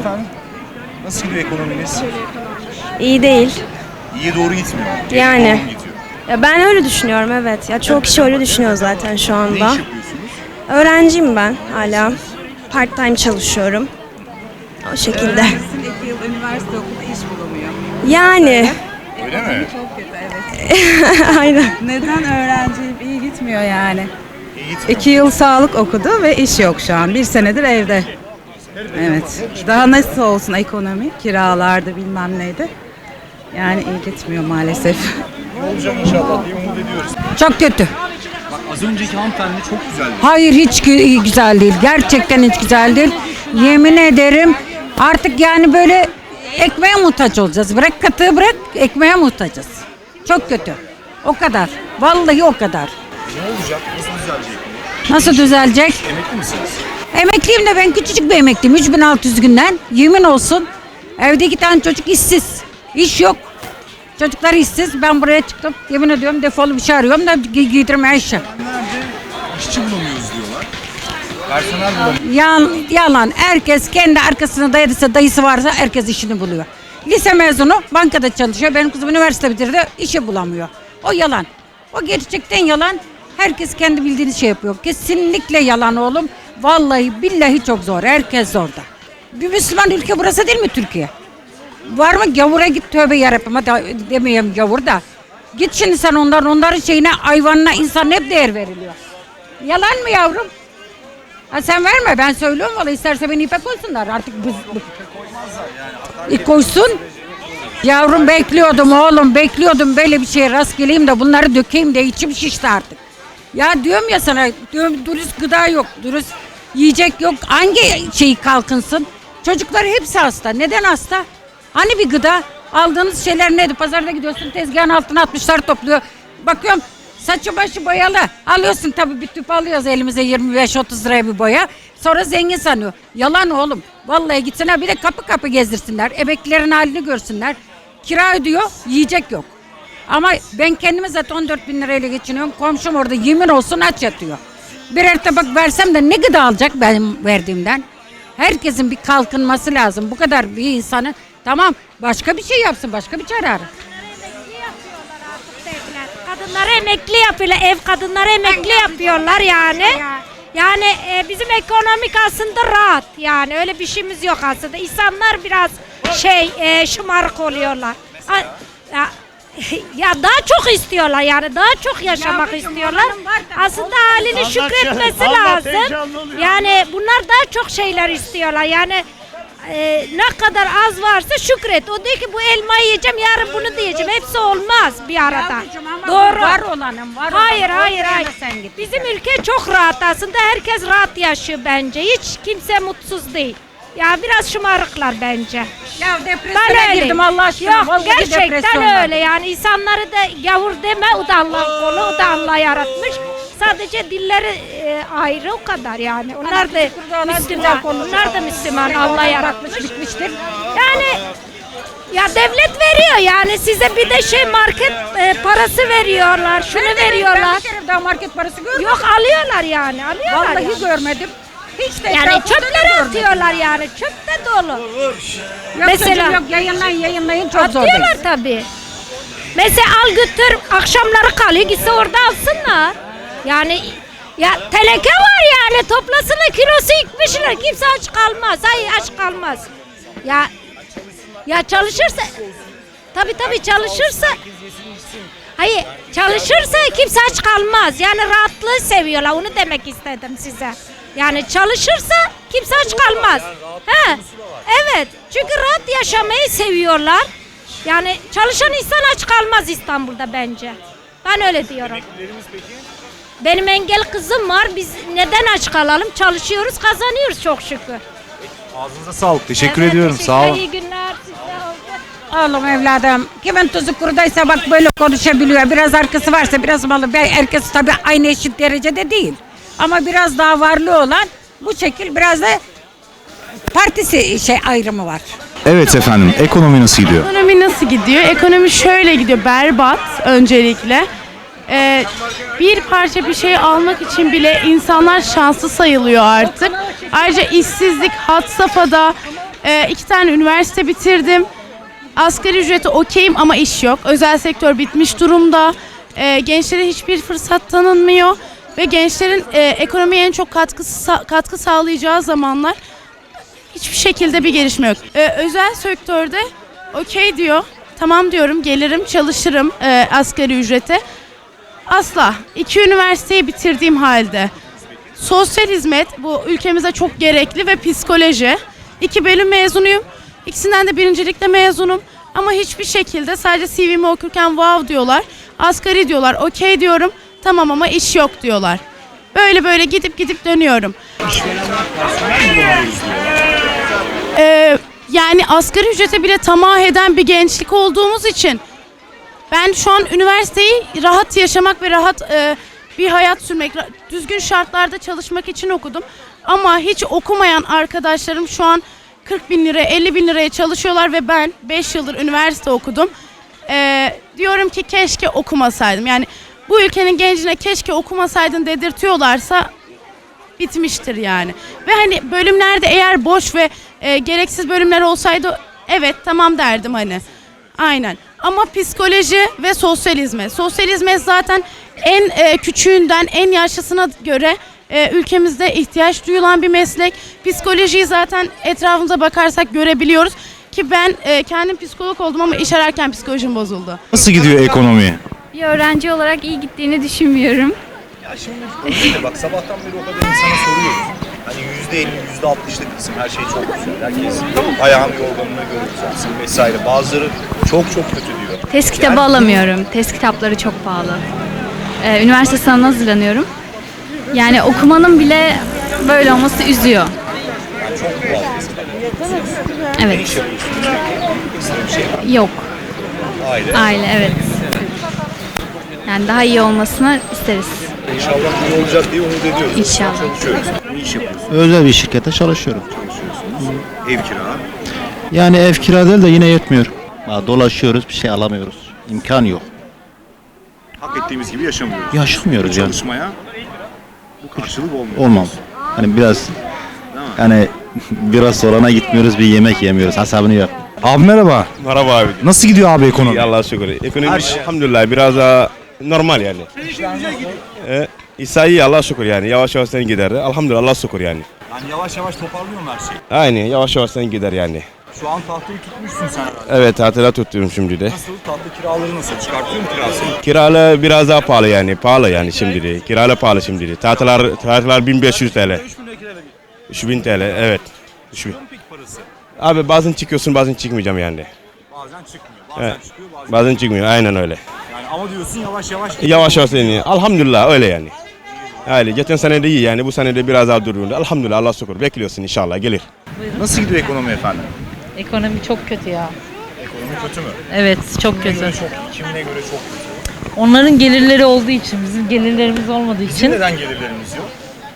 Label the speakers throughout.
Speaker 1: efendim? Nasıl gidiyor ekonominiz?
Speaker 2: İyi değil.
Speaker 1: İyiye doğru gitmiyor.
Speaker 2: Yani.
Speaker 1: Doğru mu gidiyor?
Speaker 2: Ya ben öyle düşünüyorum, evet. Ya çoğu kişi öyle düşünüyor zaten şu
Speaker 1: Ne
Speaker 2: anda.
Speaker 1: iş yapıyorsunuz?
Speaker 2: Öğrenciyim ben hala. Part time çalışıyorum. O şekilde.
Speaker 3: Öğrencisin, 2 yıl üniversite okudu, iş bulamıyor.
Speaker 2: Yani.
Speaker 1: Öyle mi?
Speaker 3: Çok kötü, evet.
Speaker 2: Aynen.
Speaker 3: Neden öğrenci iyi gitmiyor yani?
Speaker 1: İyi gitmiyor.
Speaker 3: 2 yıl sağlık okudu ve iş yok şu an. 1 senedir evde. Evet. Daha nasıl olsun ekonomi? Kiralardı bilmem neydi. Yani iyi gitmiyor maalesef.
Speaker 1: Ne olacak inşallah diye umut ediyoruz.
Speaker 4: Çok kötü.
Speaker 1: Bak az önceki hanımefendi çok güzeldi.
Speaker 4: Hayır, hiç güzel değil. Gerçekten hiç güzel değil. Yemin ederim artık yani böyle ekmeğe muhtaç olacağız. Bırak katığı, bırak ekmeğe muhtacız. Çok kötü. O kadar. Vallahi o kadar.
Speaker 1: Ne olacak? Nasıl düzelecek?
Speaker 4: Nasıl düzelecek?
Speaker 1: Emekli misiniz?
Speaker 4: Emekliyim de ben küçücük bir emekliyim. 3600 günden. Yemin olsun. Evde 2 tane çocuk işsiz. İş yok. Çocuklar işsiz. Ben buraya çıktım. Yemin ediyorum defolu bir şey arıyorum da giydirmeye işe.
Speaker 1: Nerede? İşçi bulamıyoruz diyorlar. Personel bulamıyoruz.
Speaker 4: Yalan. Herkes kendi arkasına dayadıysa, dayısı varsa herkes işini buluyor. Lise mezunu bankada çalışıyor. Benim kızım üniversite bitirdi, işi bulamıyor. O yalan. O gerçekten yalan. Herkes kendi bildiğini şey yapıyor. Kesinlikle yalan oğlum. Vallahi billahi çok zor. Herkes zorda. Bir Müslüman ülke burası değil mi Türkiye? Var mı gavura git tövbe yarabbim. Hadi demeyeyim gavur da. Git şimdi sen onların şeyine, hayvanına, insan hep değer veriliyor. Yalan mı yavrum? Ha sen verme, ben söylüyorum valla, isterse beni ipe koysunlar artık koysun. Yavrum bekliyordum oğlum, bekliyordum böyle bir şeye rast geleyim de bunları dökeyim de içim şişti artık. Ya diyorum ya sana, diyorum dürüst gıda yok, dürüst yiyecek yok, hangi şeyi kalkınsın? Çocuklar hepsi hasta, neden hasta? Hani bir gıda, aldığınız şeyler neydi? Pazarda gidiyorsun, tezgahın altına atmışlar, topluyor. Bakıyorum saçı başı boyalı. Alıyorsun tabii, bir tüp alıyoruz elimize 25-30 liraya bir boya. Sonra zengin sanıyor. Yalan oğlum. Vallahi gitsinler bir de kapı kapı gezdirsinler. Emeklilerin halini görsünler. Kira ödüyor, yiyecek yok. Ama ben kendime zaten 14 bin lirayla geçiniyorum. Komşum orada yemin olsun aç yatıyor. Birer tabak versem de ne gıda alacak benim verdiğimden? Herkesin bir kalkınması lazım. Bu kadar bir insanın, tamam başka bir şey yapsın, başka bir çare ara.
Speaker 5: Kadınları emekli yapıyorlar, ev kadınları emekli yapıyorlar yani. Yani bizim ekonomik aslında rahat, yani öyle bir şeyimiz yok aslında. İnsanlar biraz şımarık oluyorlar. Ya daha çok istiyorlar, yani daha çok yaşamak istiyorlar. Aslında halini şükretmesi lazım. Yani bunlar daha çok şeyler istiyorlar. Yani ne kadar az varsa şükret. O diyor ki bu elmayı yiyeceğim, yarın bunu diyeceğim. Hepsi olmaz bir arada. Doğru.
Speaker 4: Var olanım, var
Speaker 5: Hayır,
Speaker 4: olanım.
Speaker 5: hayır, hayır. Bizim ülke çok rahat aslında. Herkes rahat yaşıyor bence. Hiç kimse mutsuz değil. Ya biraz şımarıklar bence.
Speaker 4: Ya depresyona girdim Allah aşkına.
Speaker 5: Yok,
Speaker 4: Vallahi
Speaker 5: gerçekten
Speaker 4: depresyondan.
Speaker 5: öyle yani, insanları da gavur deme, o da Allah'ın kolu, o da Allah yaratmış. Sadece dilleri ayrı, o kadar yani. Onlar da Müslüman, onlar da Müslüman, Allah yaratmış, bitmiştir. Yani ya devlet veriyor yani size, bir de market parası veriyorlar, şunu veriyorlar.
Speaker 4: Ben bir kere daha market parası görmedim.
Speaker 5: Yok, alıyorlar yani, alıyorlar.
Speaker 4: Vallahi
Speaker 5: yani.
Speaker 4: görmedim. Hiç de
Speaker 5: Yani
Speaker 4: etrafımda
Speaker 5: çöpleri
Speaker 4: da görmedim.
Speaker 5: atıyorlar yani, çöpte dolu.
Speaker 4: Yok
Speaker 5: Mesela-
Speaker 4: çocuğum, yok yayınlayın çok zor
Speaker 5: Atıyorlar
Speaker 4: değil.
Speaker 5: tabii. Mesela al götür, akşamları kalıyor, gitse orada alsınlar. Yani ya teneke var yani, toplasınlar, kilosu 70 lira, kimse aç kalmaz. Hayır, aç kalmaz. Ya çalışırsa, tabii çalışırsa, hayır çalışırsa kimse aç kalmaz. Yani rahatlığı seviyorlar, onu demek istedim size. Yani çalışırsa kimse aç kalmaz. He, evet, çünkü rahat yaşamayı seviyorlar. Yani çalışan insan aç kalmaz İstanbul'da bence. Ben öyle diyorum. Benim engel kızım var. Biz neden aç kalalım? Çalışıyoruz, kazanıyoruz çok şükür.
Speaker 1: Ağzınıza sağlık. Teşekkür
Speaker 5: Evet,
Speaker 1: ediyorum. Sağ olun.
Speaker 5: İyi günler size.
Speaker 4: Oğlum evladım, kimin tuzu kurudaysa bak böyle konuşabiliyor. Biraz arkası varsa, biraz malı. Herkes tabii aynı eşit derecede değil. Ama biraz daha varlığı olan bu şekil, biraz da partisi ayrımı var.
Speaker 1: Evet efendim. Ekonomi nasıl gidiyor?
Speaker 6: Ekonomi nasıl gidiyor? Ekonomi şöyle gidiyor, berbat öncelikle. Bir parça bir şey almak için bile insanlar şanslı sayılıyor artık. Ayrıca işsizlik had safhada. 2 tane üniversite bitirdim. Asgari ücreti okeyim ama iş yok. Özel sektör bitmiş durumda. Gençlere hiçbir fırsat tanınmıyor. Ve gençlerin ekonomiye en çok katkı sağlayacağı zamanlar hiçbir şekilde bir gelişme yok. Özel sektörde okey diyor. Tamam diyorum, gelirim, çalışırım asgari ücrete. Asla. 2 üniversiteyi bitirdiğim halde. Sosyal hizmet bu ülkemize çok gerekli ve psikoloji. 2 bölüm mezunuyum. İkisinden de birincilikle mezunum. Ama hiçbir şekilde sadece CV'mi okurken wow diyorlar. Asgari diyorlar, okey diyorum. Tamam ama iş yok diyorlar. Böyle gidip dönüyorum. Yani asgari ücrete bile tamah eden bir gençlik olduğumuz için ben şu an üniversiteyi rahat yaşamak ve rahat bir hayat sürmek, düzgün şartlarda çalışmak için okudum. Ama hiç okumayan arkadaşlarım şu an 40 bin lira, 50 bin liraya çalışıyorlar ve ben 5 yıldır üniversite okudum. Diyorum ki keşke okumasaydım. Yani bu ülkenin gencine keşke okumasaydın dedirtiyorlarsa bitmiştir yani. Ve hani bölümlerde eğer boş ve gereksiz bölümler olsaydı evet tamam derdim hani. Aynen. Ama psikoloji ve sosyal hizmet. Sosyal hizmet zaten en küçüğünden en yaşlısına göre ülkemizde ihtiyaç duyulan bir meslek. Psikolojiyi zaten etrafımıza bakarsak görebiliyoruz. Ki ben kendim psikolog oldum ama iş ararken psikolojim bozuldu.
Speaker 1: Nasıl gidiyor ekonomi?
Speaker 7: Bir öğrenci olarak iyi gittiğini düşünmüyorum.
Speaker 1: Ya şimdi bak sabahtan beri o kadar insana soruyoruz. Hani %50, %60'lık kısım her şey çok güzel. Herkes ayağını yorganına göre uzatsın vesaire. Bazıları çok kötü diyor.
Speaker 7: Test kitabı alamıyorum. Test kitapları çok pahalı. Üniversite sınavına hazırlanıyorum. Yani okumanın bile böyle olması üzüyor.
Speaker 1: Yani çok pahalı test kitapları.
Speaker 7: Evet.
Speaker 1: Ne iş yapıyorsunuz? Ekstra bir şey var.
Speaker 7: Yok.
Speaker 1: Aile.
Speaker 7: Aile evet. Yani daha iyi olmasını isteriz.
Speaker 1: İnşallah iyi olacak diye umut ediyoruz.
Speaker 7: İnşallah.
Speaker 1: Çalışıyoruz. Ne iş yapıyorsunuz?
Speaker 8: Özel bir şirkette çalışıyorum.
Speaker 1: Ev kira.
Speaker 8: Yani ev kira değil de yine yetmiyor. Dolaşıyoruz, bir şey alamıyoruz. İmkan yok.
Speaker 1: Hak ettiğimiz gibi yaşamıyoruz.
Speaker 8: Yaşamıyoruz yani.
Speaker 1: Çalışmaya bu karşılık olmuyor.
Speaker 8: Olmam. Hani biraz yani biraz sorana gitmiyoruz, bir yemek yemiyoruz. Hesabını yap.
Speaker 1: Abi merhaba.
Speaker 9: Merhaba abi.
Speaker 1: Nasıl gidiyor abi ekonomi?
Speaker 9: İyi Allah'a şükür. Ekonomi elhamdülillah biraz daha normal yani. İsa iyi Allah'a şükür yani. Yavaş yavaş sen gider. Elhamdülillah Allah'a şükür yani.
Speaker 1: Yani yavaş yavaş toparlıyorum her şeyi.
Speaker 9: Aynen yavaş yavaş sen gider yani.
Speaker 1: Şu an tahtayı tutmuşsun sen herhalde.
Speaker 9: Evet tatile tutuyorum şimdi de.
Speaker 1: Nasıl? Tahta kiraları nasıl? Çıkartıyor mu kirasını?
Speaker 9: Kiralı biraz daha pahalı yani. Pahalı yani şimdi de. Kiralı pahalı şimdi de. Tahtalar 1500 TL. 3000 TL evet. 3000.
Speaker 1: Peki parası?
Speaker 9: Abi bazen çıkıyorsun bazen çıkmayacağım yani.
Speaker 1: Bazen çıkmıyor. Bazen
Speaker 9: Evet.
Speaker 1: çıkıyor bazen.
Speaker 9: Bazen çıkmıyor aynen öyle.
Speaker 1: Yani ama diyorsun yavaş yavaş.
Speaker 9: Yavaş yavaş yani. Elhamdülillah öyle yani. Yani geçen sene de iyi yani bu sene de biraz daha duruyor. Elhamdülillah Allah'a şükür. Bekliyorsun inşallah gelir.
Speaker 1: Nasıl gidiyor ekonomi efendim?
Speaker 10: Ekonomi çok kötü ya.
Speaker 1: Ekonomi kötü mü?
Speaker 10: Evet çok
Speaker 1: Kimine
Speaker 10: kötü.
Speaker 1: göre çok iyi, kimine göre çok kötü.
Speaker 10: Onların gelirleri olduğu için, bizim gelirlerimiz olmadığı
Speaker 1: Bizim
Speaker 10: için
Speaker 1: neden gelirlerimiz yok?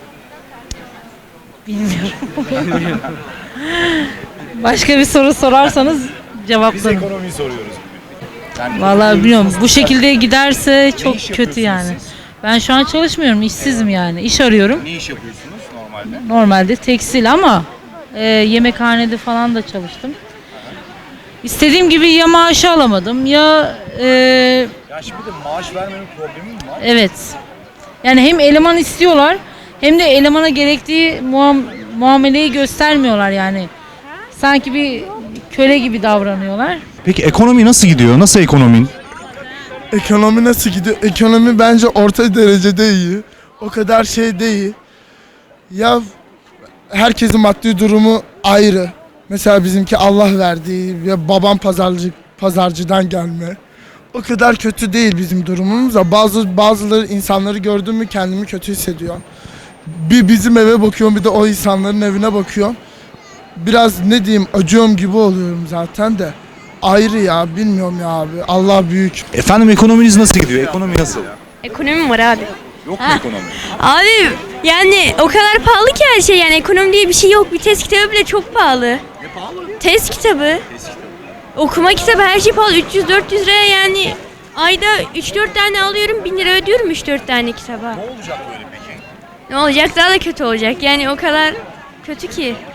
Speaker 10: bilmiyorum. Başka bir soru sorarsanız
Speaker 1: Biz
Speaker 10: cevaplarım.
Speaker 1: ekonomiyi soruyoruz bugün. Yani
Speaker 10: Vallahi
Speaker 1: ekonomimiz
Speaker 10: bilmiyorum.
Speaker 1: nasıl
Speaker 10: Bu
Speaker 1: gider?
Speaker 10: şekilde giderse çok
Speaker 1: iş
Speaker 10: kötü
Speaker 1: yapıyorsunuz
Speaker 10: yani.
Speaker 1: siz?
Speaker 10: Ben şu an çalışmıyorum, işsizim yani. İş arıyorum.
Speaker 1: Ne iş yapıyorsunuz normalde?
Speaker 10: Normalde tekstil ama yemekhanede falan da çalıştım. İstediğim gibi ya maaşı alamadım ya
Speaker 1: Ya şimdi de maaş vermenin problemi mi var?
Speaker 10: evet. Yani hem eleman istiyorlar hem de elemana gerektiği muameleyi göstermiyorlar yani. Sanki bir köle gibi davranıyorlar.
Speaker 1: Peki ekonomi nasıl gidiyor? Nasıl ekonomin?
Speaker 11: Ekonomi nasıl gidiyor? Ekonomi bence orta derecede iyi. O kadar şey değil. Ya herkesin maddi durumu ayrı. Mesela bizimki Allah verdiği ve babam pazarcıdan gelme. O kadar kötü değil bizim durumumuz da bazıları insanları gördüm mü kendimi kötü hissediyorum. Bir bizim eve bakıyorum bir de o insanların evine bakıyorum. Biraz ne diyeyim acıyorum gibi oluyorum zaten de. Ayrı ya bilmiyorum ya abi. Allah büyük.
Speaker 1: Efendim ekonominiz nasıl gidiyor? Ekonomi nasıl?
Speaker 2: Ekonomi var abi.
Speaker 1: Yok mu ekonomi?
Speaker 2: Abi yani o kadar pahalı ki her şey yani ekonomi diye bir şey yok. Bir test kitabı bile çok pahalı.
Speaker 1: Ne pahalı?
Speaker 2: Test kitabı. Okuma kitabı her şey pahalı. 300-400 liraya yani ayda 3-4 tane alıyorum 1000 lira ödüyorum 3-4 tane kitaba.
Speaker 1: Ne olacak böyle peki?
Speaker 2: Ne olacak daha da kötü olacak yani o kadar kötü ki.